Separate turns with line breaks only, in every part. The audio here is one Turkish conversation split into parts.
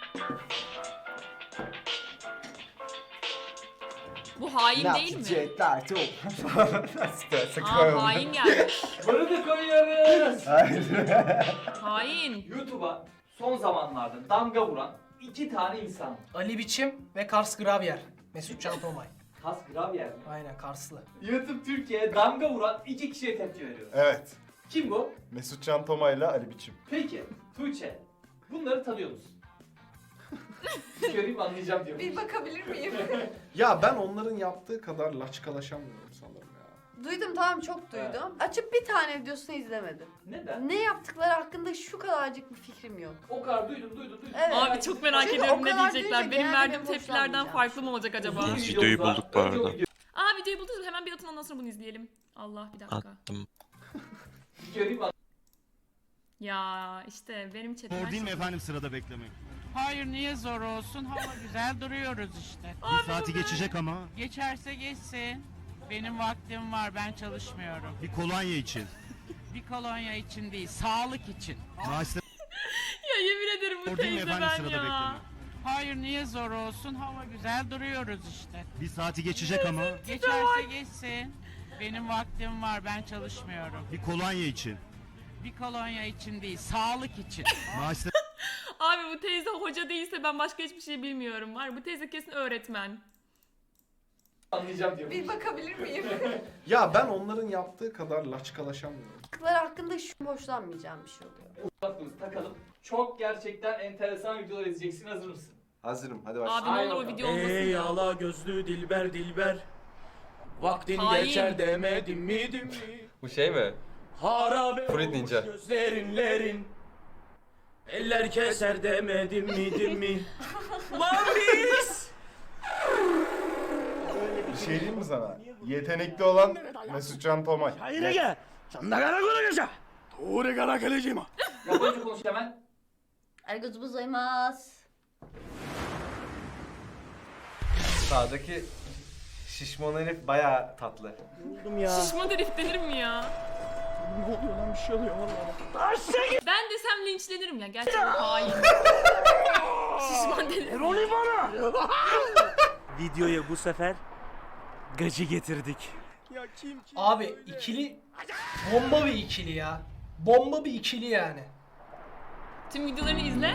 Bu hain değil mi?
Jetler çok.
Hain gelmiş.
Bunu da koyuyoruz.
Hain.
YouTube'a son zamanlarda damga vuran iki tane insan.
Ali Biçim ve Kars Gravyer. Mesut Can Tomay.
Kas Gravyer mi?
Aynen Karslı.
YouTube Türkiye'ye damga vuran iki kişiye tepki veriyoruz.
Evet.
Kim bu?
Mesut Can Tomay'la Ali Biçim.
Peki Tuğçe, bunları tanıyor musun? Bir göreyim anlayacağım diyor.
Bir bakabilir miyim?
Ya ben onların yaptığı kadar laçkalaşamıyorum sanırım ya.
Duydum, tamam, çok duydum. Açıp bir tane videosunu izlemedim.
Neden?
Ne yaptıkları hakkında şu kadarcık bir fikrim yok.
O kadar duydum.
Evet.
Abi çok merak
Çünkü
ediyorum
o
ne
kadar
diyecekler.
duyunca
Benim
genelde
verdiğim
benim
tepkilerden
hoşlanmayacağım.
farklı mı olacak acaba?
Uzun
Videoyu
videomuz var.
bulduk bu
Önce o
arada.
Aa videoyu buldunuz, hemen bir atın ondan sonra bunu izleyelim. Allah bir dakika.
Attım.
Bir göreyim
Ya işte benim
Zor
chatimden
değil mi efendim sırada beklemek?
Hayır niye zor olsun? Hava güzel duruyoruz işte.
Bir saati geçecek ama.
Geçerse geçsin. Benim vaktim var, ben çalışmıyorum.
Bir kolonya için.
Bir kolonya için değil, sağlık için.
Maaşta
Ya yemin ederim bu
zor değil mi
teyze
efendim
ben
sırada
ya.
beklemek?
Hayır niye zor olsun? Hava güzel duruyoruz işte.
Bir saati geçecek ama.
Geçerse geçsin. Benim vaktim var, ben çalışmıyorum.
Bir kolonya için.
Bir kolonya için değil, sağlık için.
Maaşta
Abi bu teyze hoca değilse ben başka hiçbir şey bilmiyorum. Var bu teyze kesin öğretmen.
anlayacağım diyor.
Bir bakabilir miyim?
Ya ben onların yaptığı kadar laçkalaşamıyorum.
Yaptıkları hakkında şu hoşlanmayacağım bir şey oluyor.
Kulaklığımızı takalım. Çok gerçekten enteresan videolar izleyeceksin. Hazır mısın?
Hazırım, hadi başla.
Abi ne
Aynen
olur o
bakalım.
video olmasın
Ey
ya.
ala gözlü dilber dilber. Vaktin
Hain.
geçer demedim mi?
Bu şey mi?
Harabe
Fruit
olmuş
Ninja.
gözlerinlerin. Eller keser demedim mi? Lan biz!
Bir şey diyeyim mi sana? Yetenekli olan Mesut Can Tomay.
Hayır gel. Sen de karakola geçe. Doğru karakolacıyım.
Japonca konuş hemen.
Ergozu bozulmaz.
Sağdaki şişman herif bayağı tatlı.
Buldum ya.
Şişman herif denir mi ya?
Ne oluyor lan, bir şey oluyor valla.
Ben desem linçlenirim ya. Gerçekten hain. Şişman denir.
Rolü bana. Videoya bu sefer gacı getirdik. Ya kim?
Abi ikili bomba bir ikili ya. Bomba bir ikili yani.
Tüm videolarını izle.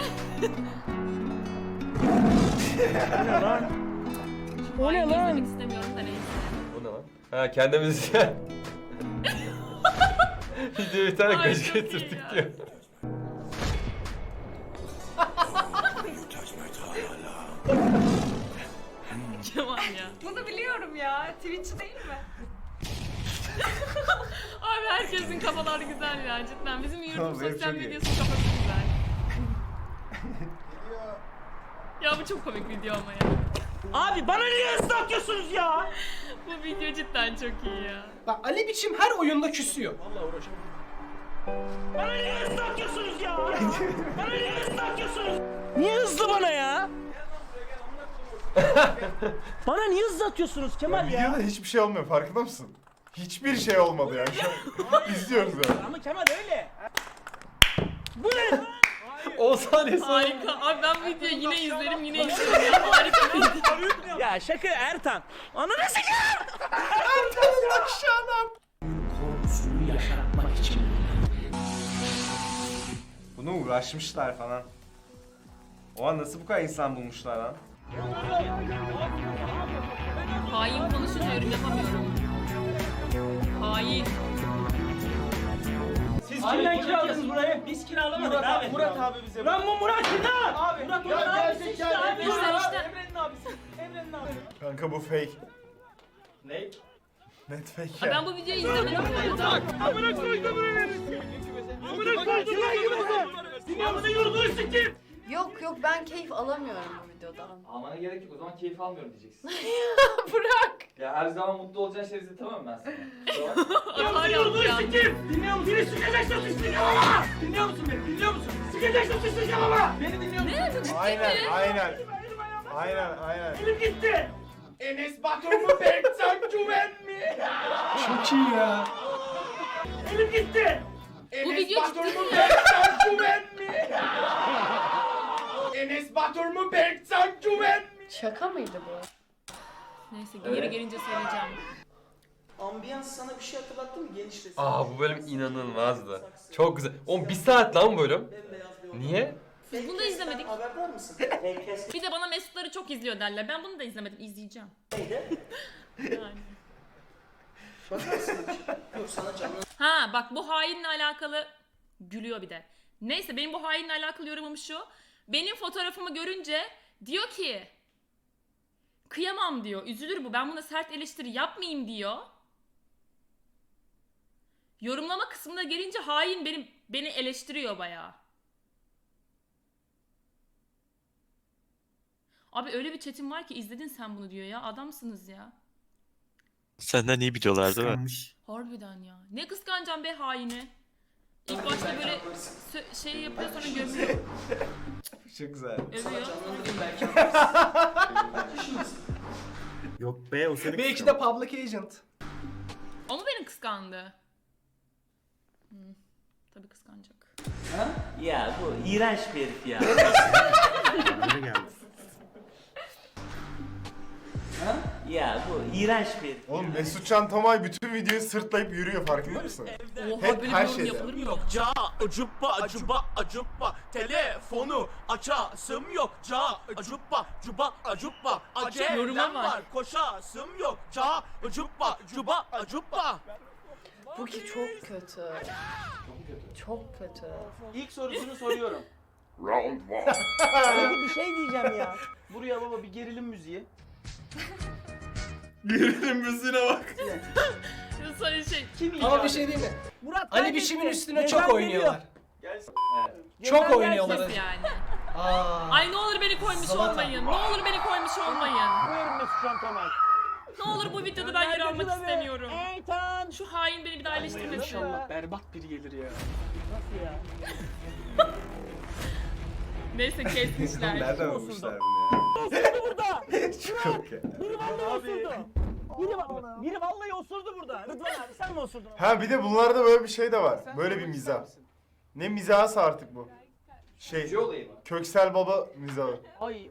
O ne
Hain
lan?
izlemek istemiyorum da neyse.
O ne lan? Ha kendimiz Videoya bir tane
Ay,
gıcık
çok iyi
getirdik
ya.
diyor.
Kemal ya.
Bunu biliyorum ya. Twitch değil mi?
Abi herkesin kafaları güzel ya cidden. Bizim
Tamam,
yurdum
benim
sosyal
çok iyi.
medyasının kafası güzel. Ya bu çok komik video ama ya.
Abi bana niye ıslatıyorsunuz ya?
Bu video cidden çok iyi ya.
Bak Ali Biçim her oyunda küsüyor.
Vallahi uğraşamam. Bana niye ıslatıyorsunuz ya? Bana niye ıslatıyorsunuz? Niye hızlı bana ya? Bana niye hızlı atıyorsunuz Kemal ya?
Videoda hiçbir şey olmuyor, farkında mısın? Hiçbir şey olmadı yani şu an. İzliyoruz yani.
Ama Kemal öyle. Bu ne?
10 saniye sonra.
Harika. Abi ben bu videoyu yine izlerim yine izlerim ya. Harika bir video.
Ya şaka Ertan. Ananı sikeyim.
Korkusunu yaşatmak için.
Bunu uğraşmışlar falan. O an nasıl bu kadar insan bulmuşlar lan?
Hain konuşunca yorum yapamıyorum. Hain.
Siz
Aynen kiraladınız burayı. Biz kiralamadık abi.
Murat abi bize.
Lan bu Murat kim lan? Abi. Murat abisi işte abi.
İşte işte.
Emre'nin abisi. Emre'nin abisi.
Kanka bu fake.
Ne?
Net fake
Ha,
ya.
ben bu videoyu izlemedim bu arada.
Amına koydum burayı. Amına koydum burayı. Dünyamızı yurdunu sikeyim.
Yok ben keyif alamıyorum bu videodan.
Almana gerek yok, o zaman keyif almıyorum diyeceksin.
Bırak.
Ya her zaman mutlu olacağın şeyleri izletemem ben sana.
Atar yaptı ya.
Sikeyim. Dinliyor musun? Beni sikeceksin sıçtıracağım ama. Dinliyor musun beni? Dinliyor musun? Sikeceksin sıçtıracağım ama. Beni dinliyor musun?
Ne? Çok ciddi
Aynen,
mi?
aynen. Aynen.
Elim gitti. Enes Batur mu Berkcan Güven mi?
Çok iyi ya.
Elim gitti.
Bu video ciddi mi?
Berkcan Güven mi?
Enes Batur mu Berkcan Güven mi?
Şaka mıydı bu?
Neyse geri gelince söyleyeceğim.
Ambiyans sana bir şey hatırlattı mı gençlesin?
Bu bölüm inanılmazdı. Çok güzel. Oğlum bir saat lan bu bölüm. Niye?
Biz bunu da izlemedik.
Haberdar mısın?
Bir de bana Mesutları çok izliyor derler. Ben bunu da izlemedim. İzleyeceğim. Yani.
Bakarsın. Yok sana canlı.
Ha bak bu hainle alakalı gülüyor bir de. Neyse benim bu hainle alakalı yorumum şu. Benim fotoğrafımı görünce diyor ki kıyamam diyor. Üzülür bu. Ben buna sert eleştiri yapmayayım diyor. Yorumlama kısmına gelince hain beni eleştiriyor bayağı. Abi öyle bir chatim var ki izledin sen bunu diyor ya. Adamsınız ya.
Senden iyi biliyorlar değil mi?
Harbiden ya. Ne kıskanacağım be haini. İlk başta böyle şey yapıyor sonra gömüyor.
Çok güzel.
Övüyor.
Canlandırayım belki.
Yok be o seni
Belki de public agent.
O mu beni kıskandı? Tabii kıskanacak.
Ya bu iğrenç bir herif ya. Ya bu iğrenç bir herif.
Oğlum Mesutcan Tomay bütün videoyu sırtlayıp yürüyor farkında mısın?
Oha
Hep
böyle
her
bir yorum
şeyde.
yapılır mı?
Yok ca acuppa acuppa acuppa telefonu açasım yok ca acuppa cuba acuppa
Yoruma
acelem
bak.
var koşasım yok ca acuppa cuba acuppa.
Bu ki çok kötü. Çok kötü.
İlk sorusunu soruyorum.
Peki bir şey diyeceğim ya.
Buraya baba bir gerilim müziği.
Gerilim müziğine bak.
Sonra şey.
Kim
Ama bir şey değil mi?
Murat
Ali
kaybetti.
Biçim'in üstüne
Cezam
çok oynuyorlar.
Gelsin.
Çok
Cezam
oynuyorlar.
Nasıl yani?
Aa.
Ay ne olur beni koymuş
Salata.
olmayın. Ne olur beni koymuş olmayın.
Buyurun Mesut Can Tomay.
Ne olur bu videoda ben yer almak
Tabii.
istemiyorum.
Eytan.
Şu hain beni bir daha eleştirmesin.
İnşallah berbat biri gelir ya.
Nasıl ya?
Neyse kesmişler.
Nereden bulmuşlar bunu ya?
Burada.
Çok komik ya.
Biri vallahi osurdu. Biri vallahi osurdu burada. Rıdvan abi sen mi osurdun?
Ha bir de bunlarda böyle bir şey de var. Böyle bir mizah. Ne mizahı artık bu? Şey,
Gücü olayı mı?
Köksel Baba mizahı.
Ay.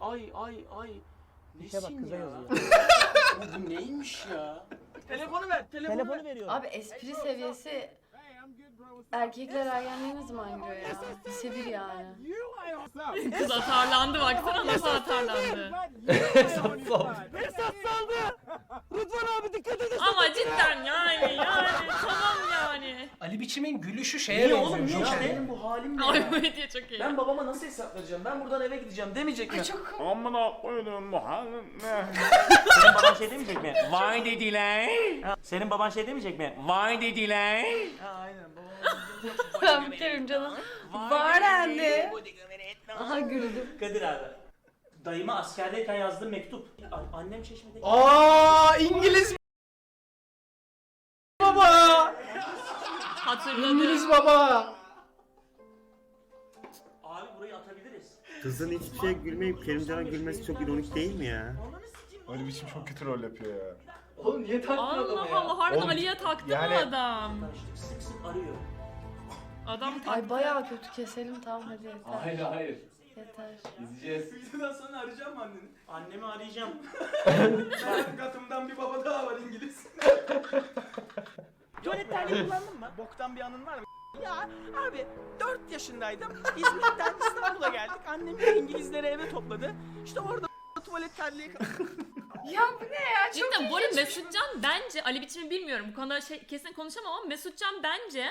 İşe bak
Nesin
kıza
ya?
yazıyor.
Bu neymiş ya?
Telefonu ver. Telefonu veriyorum.
Abi espri seviyesi erkekler ergenliğe ne zaman giriyor ya? Lise 1 yani.
Kız atarlandı baksana nasıl atarlandı.
Esat saldı. Rıdvan abi dikkat edin.
Ama cidden yani tamam yani.
Ali Biçim'in gülüşü şeye
Niye oğlum
benziyor.
niye
Joker'e.
benim bu halim ne
Ay
ya?
bu hediye çok iyi.
Ben babama nasıl hesap vereceğim? Ben buradan eve gideceğim demeyecek mi?
Çok
Amına koydum bu
Senin baban şey demeyecek mi? Vay dediler. Senin baban şey demeyecek mi? Vay dediler.
Aynen babam.
ben biterim canım. Var anne. Aha güldüm.
Kadir abi. Dayıma askerdeyken yazdığım mektup. Annem Çeşme'de.
Aa İngiliz baba.
Hatırladım.
İngiliz baba.
Abi burayı atabiliriz.
Kızın hiçbir şey gülmeyip Kerimcan'a gülmesi çok ironik değil mi ya?
Öyle biçim çok kötü rol yapıyor ya.
Oğlum niye taktın adamı
Allah
ya?
Allah harbiden
Oğlum,
Ali'ye taktı
yani-
mı adam?
Tanıştık sık sık arıyor.
Adam taktı.
Ay bayağı kötü keselim tamam hadi yeter.
Hayır.
Yeter.
İzleyeceğiz. Videodan sonra arayacağım mı anneni?
Annemi arayacağım.
Benim katımdan bir baba daha var İngiliz.
Tuvalet terliği kullandın mı? Boktan bir anın var mı? Ya abi 4 yaşındaydım. İzmir'den İstanbul'a geldik. Annem İngilizleri eve topladı. İşte orada tuvalet terliği...
Ya bu ne ya? Çok
Cidden bu arada Mesutcan bence Ali Biçim'i bilmiyorum bu konuda kesin konuşamam ama Mesutcan bence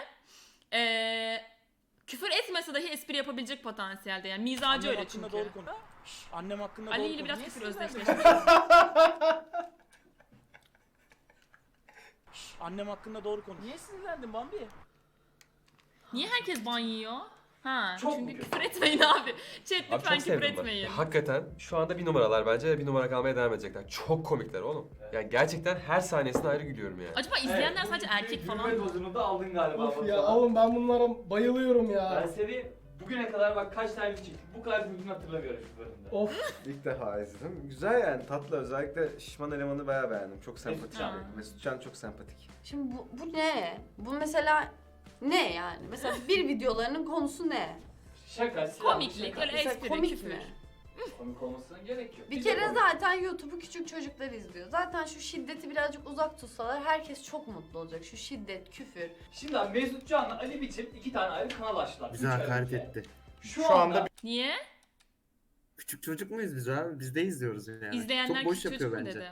küfür etmese dahi espri yapabilecek potansiyelde yani mizacı öyle çünkü.
Doğru konu. Annem hakkında
Ali
doğru
ile
konu.
biraz
Niye
küfür
sinirlendin?
özdeşleşmiş.
Annem hakkında doğru konu. Niye sinirlendin Bambi?
Niye herkes ban yiyor? Ha,
Çok
çünkü
mu
küfür etmeyin abi. Chat
Abi
lütfen
çok
küfür
sevdim ben.
etmeyin.
Hakikaten şu anda bir numaralar bence bir numara kalmaya devam edecekler. Çok komikler oğlum. Yani gerçekten her sahnesine ayrı gülüyorum yani.
Acaba izleyenler sadece erkek falan
Gülme
mı?
dozunu da aldın galiba.
Of ya
Batuhan.
oğlum ben bunlara bayılıyorum
Ben
ya.
seni bugüne kadar bak kaç tane çektik. Bu kadar gülgün hatırlamıyorum şu bölümde.
Of.
İlk defa izledim. Güzel yani tatlı. Özellikle şişman elemanı bayağı beğendim. Çok sempatik.
Ha.
Mesutcan çok sempatik.
Şimdi bu ne? Bu mesela ne yani? Mesela bir videolarının konusu ne?
Şaka, silah,
Komiklik,
şaka.
öyle
Mesela
espri,
komik
küfür.
mi?
Komik olmasına gerek yok.
Bir
Biz de
kere
komik.
zaten YouTube'u küçük çocuklar izliyor. Zaten şu şiddeti birazcık uzak tutsalar herkes çok mutlu olacak. Şu şiddet, küfür.
Şimdi abi Mesut Can'la Ali Biçim 2 tane ayrı kanal açtılar.
Bize
Üç ay
hakaret
önce.
etti.
Şu
Şu
anda
anda
Niye?
Küçük çocuk muyuz biz abi? Biz de izliyoruz yani.
İzleyenler
Çok boş
küçük
yapıyor
çocuk mu
bence.
dedi?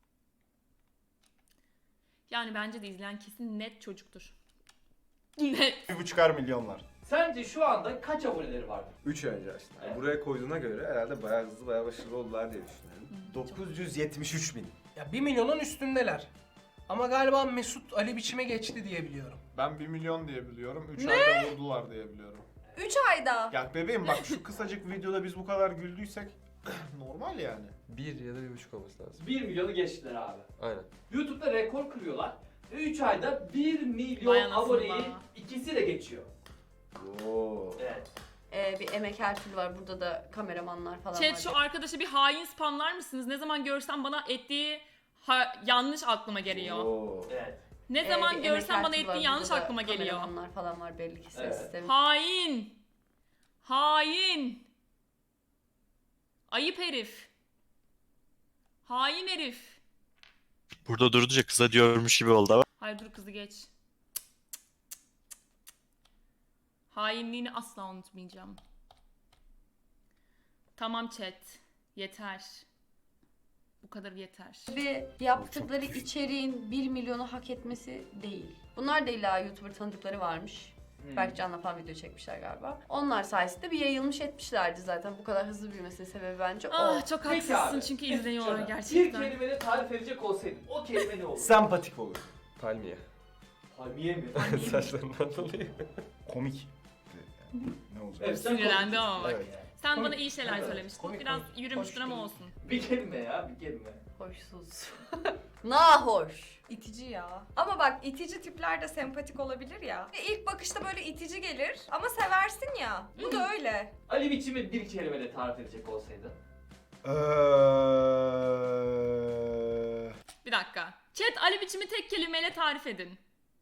Yani bence de izleyen kesin net çocuktur. Net.
1,5 milyonlar.
sence şu anda kaç aboneleri vardır?
3 ay önce açtım. Yani
Evet.
buraya koyduğuna göre herhalde bayağı hızlı, bayağı başarılı oldular diye düşünüyorum.
Çok-
973 bin.
Ya 1 milyonun üstündeler. Ama galiba Mesut Ali Biçim'e geçti diye biliyorum.
Ben 1 milyon diye biliyorum. 3 ayda vurdular diye biliyorum.
3 ayda.
Ya bebeğim bak şu kısacık videoda biz bu kadar güldüysek normal yani.
1 ya da 1,5 olması lazım.
1 milyonu geçtiler abi.
Aynen.
YouTube'da rekor kırıyorlar. Ve 3 ayda 1 milyon
Vay anasını
aboneyi
be.
ikisi de geçiyor.
Oo.
Evet.
Bir emek her türlü var. Burada da kameramanlar falan
Chat
var.
şu arkadaşı bir hain spamlar mısınız? Ne zaman görsem bana ettiği yanlış aklıma geliyor.
Oo.
Evet.
Ne
Bir
zaman
emek
görsem
her
bana
türlü var.
ettiği yanlış
Burada da
aklıma geliyor.
Kameramanlar falan var belli ki ses
Evet.
sistemi.
Hain. Hain. Ayıp herif. Hain herif.
Burada durdukça kıza diyormuş gibi oldu ama.
Hayır dur kızı geç. Hainliğini asla unutmayacağım. Tamam chat. Yeter. Bu kadar yeter.
Ve yaptıkları içeriğin 1 milyonu hak etmesi değil. Bunlar da illa YouTuber tanıdıkları varmış. Belki Can'la falan video çekmişler galiba. Onlar sayesinde bir yayılmış etmişlerdi zaten. Bu kadar hızlı büyümesinin sebebi bence o.
Ah çok
Peki
haksızsın
abi,
çünkü
Mesut
izleniyorlar
Can'a
gerçekten.
Bir kelimeyle tarif edecek olsaydın o kelime ne olur?
Sempatik olur.
Palmiye.
Palmiye mi?
Saçlarından dolayı.
Komik. Ne olacak?
Evet, sen
Sinirlendi
komik.
ama bak.
Evet.
Sen
Komik.
bana iyi şeyler
Evet.
söylemiştin.
Komik,
Biraz
komik.
yürümüştün
Hoş
ama
değil.
olsun.
Bir kelime ya, bir kelime.
Hoşsuz. Nahoş.
İtici ya. Ama bak itici tipler de sempatik olabilir ya. Ve ilk bakışta böyle itici gelir ama seversin ya. Bu da öyle.
Ali Biçim'i bir kelimeyle tarif edecek olsaydın.
Bir dakika. Chat Ali Biçim'i tek kelimeyle tarif edin.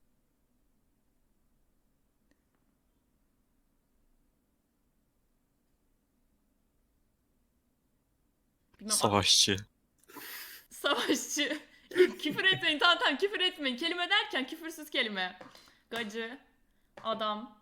Bilmem,
Savaşçı.
Savaşçı. Küfür etmeyin. Tamam küfür etmeyin. Kelime derken küfürsüz kelime. Gacı. Adam.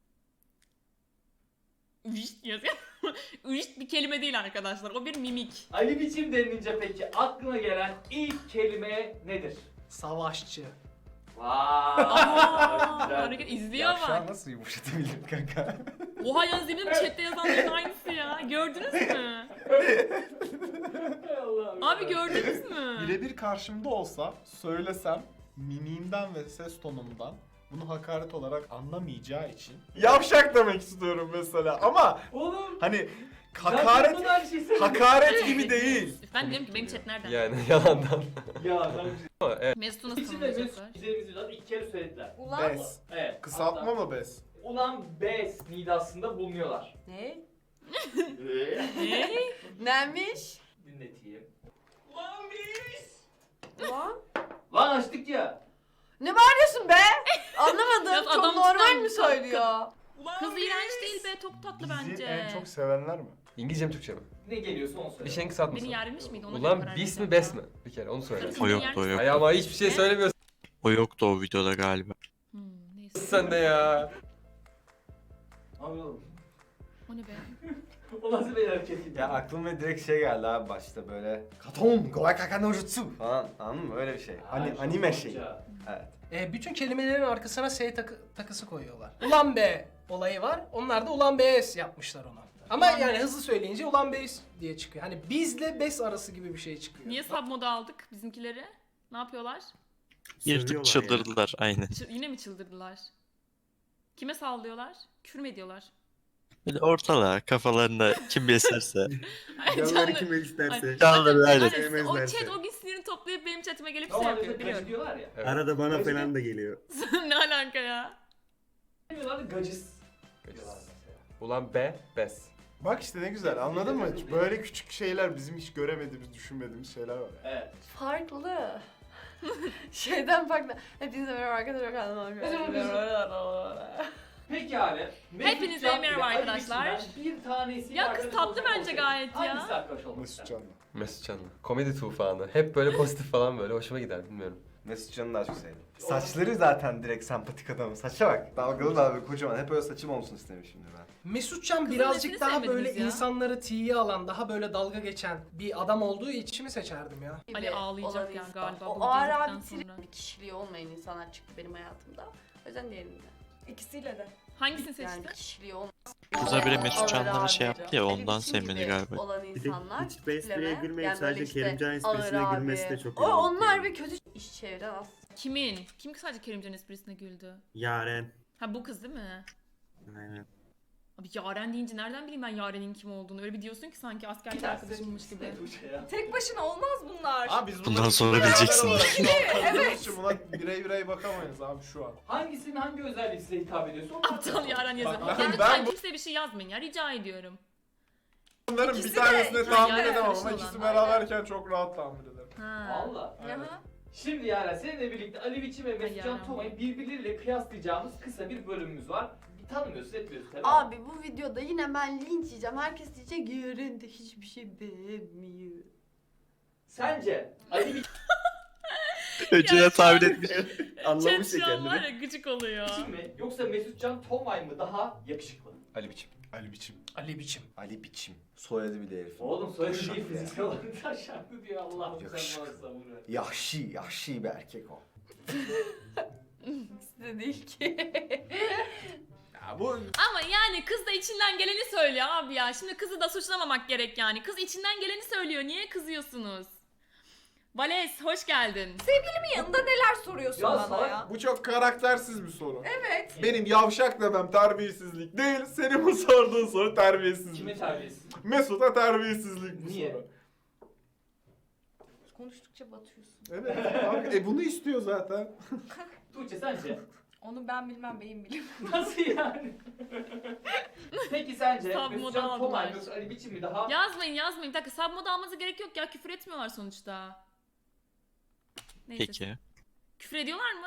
Vişt yazıyor. Vişt bir kelime değil arkadaşlar. O bir mimik.
Ali Biçim denilince peki aklına gelen ilk kelime nedir?
Savaşçı.
Vay. güzel.
Hareket izliyor
Ya şu an
bak.
nasıl yumuşatabilirim kanka?
Oha yalnız eminim chatte yazanların aynısı ya. Gördünüz mü?
Hay Allah'ım
Abi
ya.
gördünüz mü?
Birebir karşımda olsa söylesem mimiğimden ve ses tonumdan bunu hakaret olarak anlamayacağı için yavşak demek istiyorum mesela ama
Oğlum.
hani
Hakaret.
hakaret hakaret gibi değil.
Ben diyorum ki benim chat nereden?
Yani yalandan.
Ya ben
Ama evet.
Mesut'u nasıl
Biçim ve Mesut
tanımlayacaklar?
izlediğimiz videoda iki kere söylediler.
Ulan
Bes.
Evet.
Kısaltma
hatta
mı bes?
Ulan bes nidasında bulunuyorlar.
Ne?
Ne?
Neymiş?
Dinleteyim. Ulan biz.
Ulan?
Lan açtık ya.
Ne bağırıyorsun be? Anlamadım.
Biraz
Çok
adam
normal
tutan-
mi söylüyor?
Kız iğrenç değil be, çok tatlı
Bizi
bence.
en çok sevenler mi?
İngilizce mi Türkçe mi?
Ne geliyorsa onu söyle.
Bir şeyin kısaltması.
Beni yermiş miydi? Ona göre
Ulan
karar
bis mi
vereceğim.
bes mi? Bir kere onu söyle.
Kız
O
beni
yoktu,
yermiş
o
mi?
yok.
Ay ama hiçbir şey
Ne?
söylemiyorsun
O yoktu o videoda galiba.
Neyse.
sen de ya.
Abi oğlum.
O ne be?
O nasıl bir hareketiydi?
Ya aklıma direkt şey geldi abi başta böyle Katon, Goai Kaka no Jutsu falan, anladın mı? Öyle bir şey.
Ay,
Anime
çok
şeyi.
korkunç.
Evet.
Bütün kelimelerin arkasına S takısı koyuyorlar. Ulan be olayı var. Onlar da ulan bes yapmışlar ona. Ama
Ulan
yani
bes.
hızlı söyleyince ulan bes diye çıkıyor. Hani bizle bes arası gibi bir şey çıkıyor.
Niye sub moda aldık bizimkileri? Ne yapıyorlar?
Yırtıp
Sövüyorlar
çıldırdılar aynen.
Yine mi çıldırdılar? Kime sallıyorlar? Küfür mü ediyorlar?
Böyle ortalığa kafalarında kim beslerse.
Ay,
Canları kime isterse.
Canları aynen.
Aynen, o
Sevmezlerse.
chat o gün sinirini toplayıp benim chatime gelip şey
Normalde
yapıyor
de
biliyorum.
gacı diyorlar ya.
Evet.
Arada bana falan da geliyor.
Ne alaka ya?
Diyorlar da gacıs.
Gacıs.
Diyorlar mesela.
Ulan be bes.
Bak işte ne güzel anladın mı? Böyle küçük şeyler bizim hiç göremediğimiz, düşünmediğimiz şeyler var.
Evet.
Farklı. Şeyden farklı. Hepinize merhaba arkadaşlar.
Peki abi. Mesut
Hepinize
Can
merhaba
ile Ali
arkadaşlar.
Biçim'den bir tanesi
Ya kız tatlı bence gayet ya.
Hangisi arkadaş olmak
Mesut
ister?
Can'la.
Mesut Can'la. Komedi tufanı. Hep böyle pozitif falan böyle hoşuma gider bilmiyorum.
Mesut Can'ı daha çok sevdim. Saçları zaten direkt sempatik adamın. Saça bak. Dalgalı dalgalı kocaman. Hep öyle saçım olsun istemişimdir ben.
Mesutcan
Kızın
birazcık
nesini
daha
sevmediniz
böyle
ya?
insanları tiye alan, daha böyle dalga geçen bir adam olduğu için mi seçerdim ya?
gibi
Ali ağlayacak
olan
yani
insan.
galiba
O
bunu
ağır
dinledikten
abi
sonra.
bir kişiliği olmayan insanlar çıktı benim hayatımda. O yüzden diğerinde.
İkisiyle de.
Hangisini
Yani
seçtin?
kişiliği olmayan.
Kıza biri Mesut
Ağır
Can'la şey
abi,
yaptı ya,
Ali
ondan
Biçim
sevmedi
gibi
galiba.
olan
Bir de
insanlar
hiç bu espriye
tipleme,
gülmeyip
yani
sadece
böyle işte
Kerimcan esprisine
ağır
gülmesi
abi.
de çok
O,
iyi.
onlar bir kötü iş çeviren aslında.
Kimin? Kim sadece Kerimcan esprisine güldü?
Yaren.
Ha bu kız değil mi?
Aynen.
Abi Yaren deyince nereden bileyim ben Yaren'in kim olduğunu? Öyle bir diyorsun ki sanki askerlik arkadaşımmış gibi.
Tek başına olmaz bunlar.
Abi biz
Bundan
bunları
sonra
beraber
bileceksin.
olarak şu an tanıdığımız için buna birey bakamayız abi şu an.
Hangisinin hangi özelliği size hitap ediyorsa onu
Aptal Yaren yazıyor.
Bak,
Ya
ben
lütfen
bu-
kimseye bir şey yazmayın ya rica ediyorum.
Bunların
İkisi
bir
de-
tanesini
Yani
tahmin
Yaren
edemem ama
karışık
ikisi
olan.
beraberken çok rahat tahmin ederim.
Ha.
Valla.
Aha.
Şimdi yani seninle birlikte Ali Biçim ve Mesut Can
Yaren.
Toma'yı birbirleriyle kıyaslayacağımız kısa bir bölümümüz var. Tanımıyorsun, etmiyorsun tabii.
Abi bu videoda yine ben linç yiyeceğim. Herkes diyecek Yaren de hiçbir şey beğenmiyor.
Sence Ali
Önceden tahmin etmiş.
Chat şu an var ya gıcık oluyor.
Biçim mi yoksa Mesut Can Tomay mı daha yakışıklı?
Ali Biçim.
Ali Biçim.
Ali Biçim.
Ali Biçim. Soyadı bile herif.
Oğlum soyadı
Taşak
değil
ya.
fiziksel olarak taşaklı diyor Allah'ım sen
Yakışıklı.
bana sabır ver.
Yahşi bir erkek o.
İkisi de değil ki.
Ya bu
Ama yani kız da içinden geleni söylüyor abi ya. Şimdi kızı da suçlamamak gerek yani. Kız içinden geleni söylüyor. Niye kızıyorsunuz? Vales hoş geldin.
Sevgilimin yanında neler soruyorsun
Ya
bana
salak,
ya?
bu çok karaktersiz bir soru.
Evet.
Benim yavşak demem terbiyesizlik değil. Senin bu sorduğun soru terbiyesizlik.
Kime terbiyesiz?
Mesut'a terbiyesizlik bu
Niye?
soru.
Konuştukça batıyorsun.
Evet abi, bunu istiyor zaten.
Tuğçe sence?
Onu ben bilmem beyim bilir.
Nasıl yani? Peki sence
Sab
Mesut
moda
Can Tomay
aldılar.
mı Ali Biçim mi daha?
Yazmayın. Bir dakika sub moda almanıza gerek yok ya. Küfür etmiyorlar sonuçta. Neyse.
Peki.
Küfür ediyorlar mı?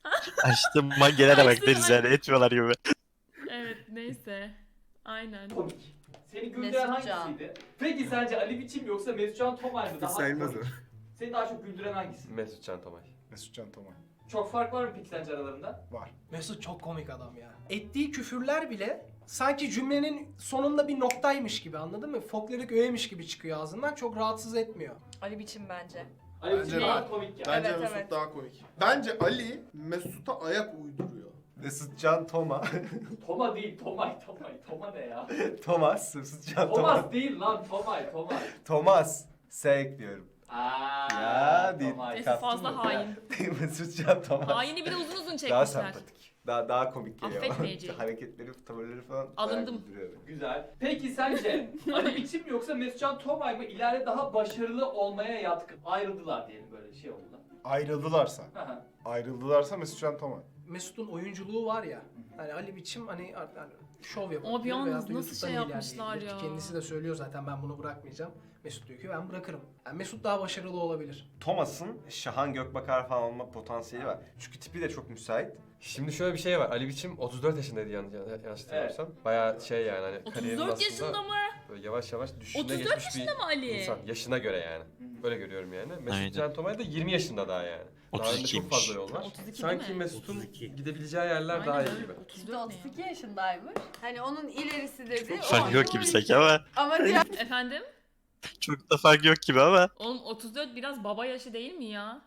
Açtım mangelere bak
Açtım,
deriz yani etmiyorlar gibi.
Evet neyse. Aynen.
Komik. Seni
Mesut
güldüren
Can.
hangisiydi? Peki sence Ali Biçim yoksa Mesut Can Tomay mı daha
Sayılmaz o.
komik? Seni daha çok güldüren hangisi?
Mesut Can Tomay.
Mesut Can Tomay.
Çok fark var mı peki sence aralarında?
Var.
Mesut çok komik adam ya. Ettiği küfürler bile sanki cümlenin sonunda bir noktaymış gibi, anladın mı? Folklorik öğemiş gibi çıkıyor ağzından, çok rahatsız etmiyor.
Ali Biçim bence.
Ali
Bence
Biçim
de.
daha komik ya.
Bence
Evet,
Mesut
evet.
daha komik. Bence Ali Mesut'a ayak uyduruyor.
Mesut Can Toma.
Toma değil, Tomay. Toma ne ya?
Thomas. Mesut Can
Thomas
Toma.
değil lan, Tomay.
Thomas. S ekliyorum.
Aaa.
Ya değil.
Tomay.
Neyse fazla hain.
Mesut Can Thomas.
Haini bir de uzun
Daha
çekmişler.
sempatik. Daha komik geliyor.
Affetmeyeceğim.
Hareketleri, tavırları falan.
Alındım.
bayağı güldürüyor beni.
Güzel. Peki sence Ali Biçim mi yoksa Mesut Can Tomay mı ileride daha başarılı olmaya yatkın? Ayrıldılar diyelim böyle şey oldu.
Ayrıldılarsa.
Hı hı.
Ayrıldılarsa Mesut Can Tomay.
Mesut'un oyunculuğu var ya. Hani Ali Biçim hani şov yapıyor.
Abi yalnız
veyahut da
nasıl
YouTube'dan
şey
ilerleyebilir
yapmışlar
ki
ya.
Kendisi de söylüyor zaten, ben bunu bırakmayacağım. Mesut diyor ki ben bırakırım. Yani Mesut daha başarılı olabilir.
Thomas'ın Şahan Gökbakar falan olma potansiyeli var. Çünkü tipi de çok müsait.
Şimdi şöyle bir şey var. Ali Biçim 34 yaşındaydı yanlış hatırlamıyorsam. Bayağı şey yani hani kariyerinin
34
aslında
yaşında mı?
böyle yavaş yavaş düşüne
34
geçmiş
yaşında mı Ali?
bir insan. Yaşına göre yani. Böyle görüyorum yani. Mesut
Aynen.
Can Tomay da 20 yaşında daha yani. Daha önünde çok
32'ymiş.
fazla yol var.
32 değil
Sanki
mi?
Mesut'un
32.
gidebileceği yerler
Aynen
daha iyi
öyle.
gibi.
32
34 ne ya?
32 yaşındaymış. Hani onun ilerisi dedi.
Fark
o
yok gibi sanki ama.
Ama diğer
Efendim?
Çok da fark yok gibi ama.
Oğlum 34 biraz baba yaşı değil mi ya?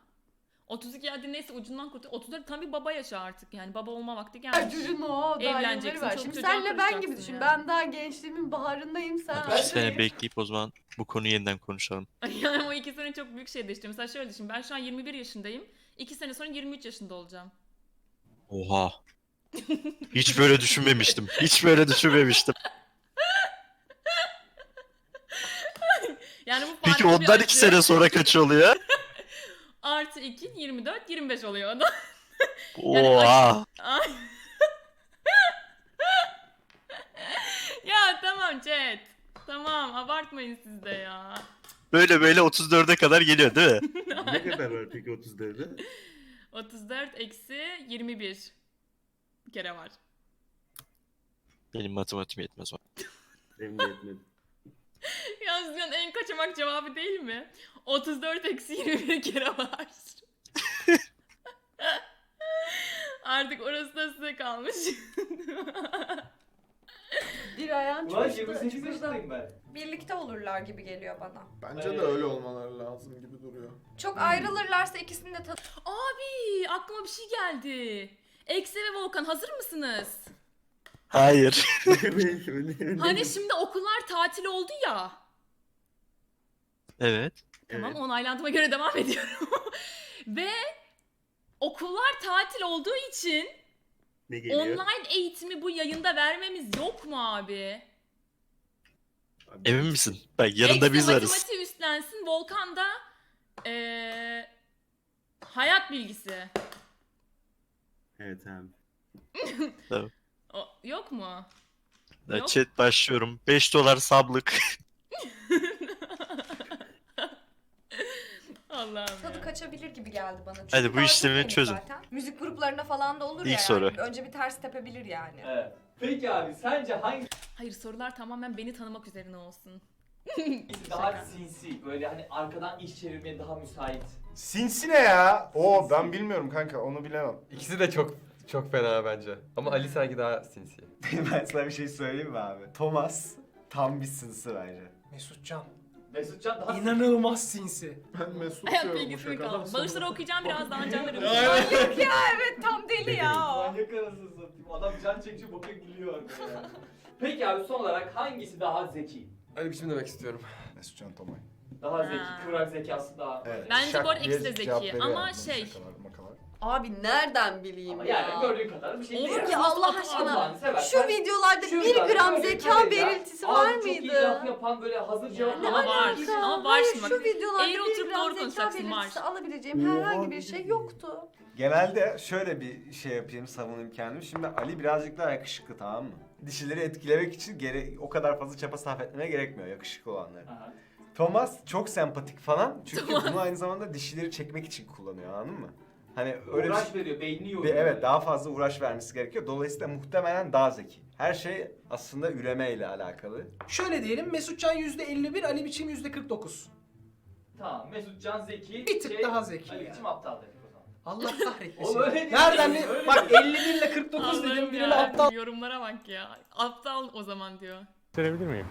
32 hadi neyse ucundan kurtul. 34 tam bir baba yaşı artık yani baba olma vakti gelmiş.
çocuğun o daha
Evleneceksin,
yılları var.
çok
Şimdi
çocuğa
senle ben gibi
karışacaksın
düşün.
yani.
Ben daha gençliğimin baharındayım. Sen
Hadi 2 sene bekleyip o zaman bu konuyu yeniden konuşalım.
Yani o 2 sene çok büyük şey değişti. Mesela şöyle düşün ben şu an 21 yaşındayım. 2 sene sonra 23 yaşında olacağım.
Oha. Hiç böyle düşünmemiştim. Hiç böyle düşünmemiştim.
Yani bu
Peki
farklı bir
ondan
acı.
2 sene sonra kaç oluyor?
Artı 2 24 25 oluyor o da.
Oha.
Ay. Ya tamam chat. Tamam abartmayın siz de ya.
Böyle 34'e kadar geliyor değil mi?
Ne kadar var peki 34'e?
34 eksi 21. Bir kere var.
Benim matematiğim yetmez o.
Benim de etmedi.
Yalnız dünyanın en kaçamak cevabı değil mi? 34 eksi 21 kere var. Artık orası da size kalmış.
Bir ayağın
Ulan
çocukta
28
çukurda.
yaşındayım ben.
Birlikte olurlar gibi geliyor bana.
Bence
Evet.
de öyle olmaları lazım gibi duruyor.
Çok ayrılırlarsa ikisini de
Abi aklıma bir şey geldi. Ekse ve Volkan hazır mısınız?
Hayır.
Hani şimdi okullar tatil oldu ya.
Evet.
Tamam onaylandığıma göre devam ediyorum. Ve okullar tatil olduğu için
Ne geliyor?
online eğitimi bu yayında vermemiz yok mu abi?
Emin misin? Bak yanında
Eksi
biz varız.
matematiği üstlensin. Volkan da hayat bilgisi.
Evet abi.
Yok mu?
Ya
Yok.
chat başlıyorum. 5 dolar sablık.
Allah'ım
tadı
ya.
kaçabilir gibi geldi bana. Çünkü
Hadi bu
daha
işlemi
çok yeni
çözün.
zaten. Müzik gruplarında falan da olur
İlk
ya
soru.
yani. Önce bir ters tepebilir yani.
Evet. Peki abi sence hangisi
Hayır sorular tamamen beni tanımak üzerine olsun.
daha
Şaka.
sinsi? Böyle hani arkadan iş çevirmeye daha müsait.
Sinsi ne ya? Oo ben bilmiyorum kanka onu bilemem.
İkisi de çok fena bence. Ama Ali sanki daha sinsi.
Ben sana bir şey söyleyeyim mi abi? Thomas tam bir sinsi bence.
Mesutcan.
Mesutcan daha
İnanılmaz sinsi.
Ben Mesut
Hayat
diyorum bu
bilgisini
şakadan
kalın.
sonra.
Bağışları okuyacağım birazdan canlarım.
Manyak ya evet tam deli ya o.
manyak anasını satayım. Adam can çekici boka gülüyor arkada ya. Peki abi son olarak hangisi daha zeki?
Ali biçim demek istiyorum.
Mesutcan Tomay.
Daha zeki,
Ha.
kıvrak zekası daha.
Evet.
Bence
şak
bu arada
diye
ikisi de
cevap
zeki.
veriyor
Ama
yani bunun
şey-
şakalar, makalar.
Abi nereden bileyim
Ama
ya?
yani gördüğün kadar bir şey
Olur
değil.
ki
Ya Allah
Allah'ını
aşkına.
Allah'ını seversen.
Şu videolarda
Şu
1
videolarda
gram
gördüğün
zeka
kadarıyla
belirtisi
ağzı
var
çok iyi
mıydı?
laf yapan böyle hazır cevap
Ama var. Ama var şimdi
Hayır
bak.
şu videolarda
Eğri
1
oturup
gram
doğru
zeka
konuşacaksın, var.
belirtisi alabileceğim herhangi bir şey yoktu.
Genelde şöyle bir şey yapayım, savunayım kendimi. Şimdi Ali birazcık daha yakışıklı, tamam mı? Dişileri etkilemek için o kadar fazla çaba sarf etmeye gerekmiyor yakışıklı olanları.
Aha.
Thomas çok sempatik falan çünkü bunu aynı zamanda dişileri çekmek için kullanıyor, anladın mı? Hani öyle bir
Uğraş veriyor, beynini yoruyor.
evet, daha fazla uğraş vermesi gerekiyor. Dolayısıyla muhtemelen daha zeki. Her şey aslında üremeyle alakalı.
Şöyle diyelim Mesutcan %51, Ali Biçim %49.
Tamam, Mesutcan zeki.
Bir tık daha zeki
Ali
yani.
biçim aptal dedik o zaman.
Allah kahretmesin.
Oğlum öyle değil.
Nereden ne?
Öyle
Bak
değil.
51 ile 49 dedim
Allah'ım
birine
ya,
aptal.
yorumlara bak ya. Aptal o zaman diyor.
Gösterebilir miyim?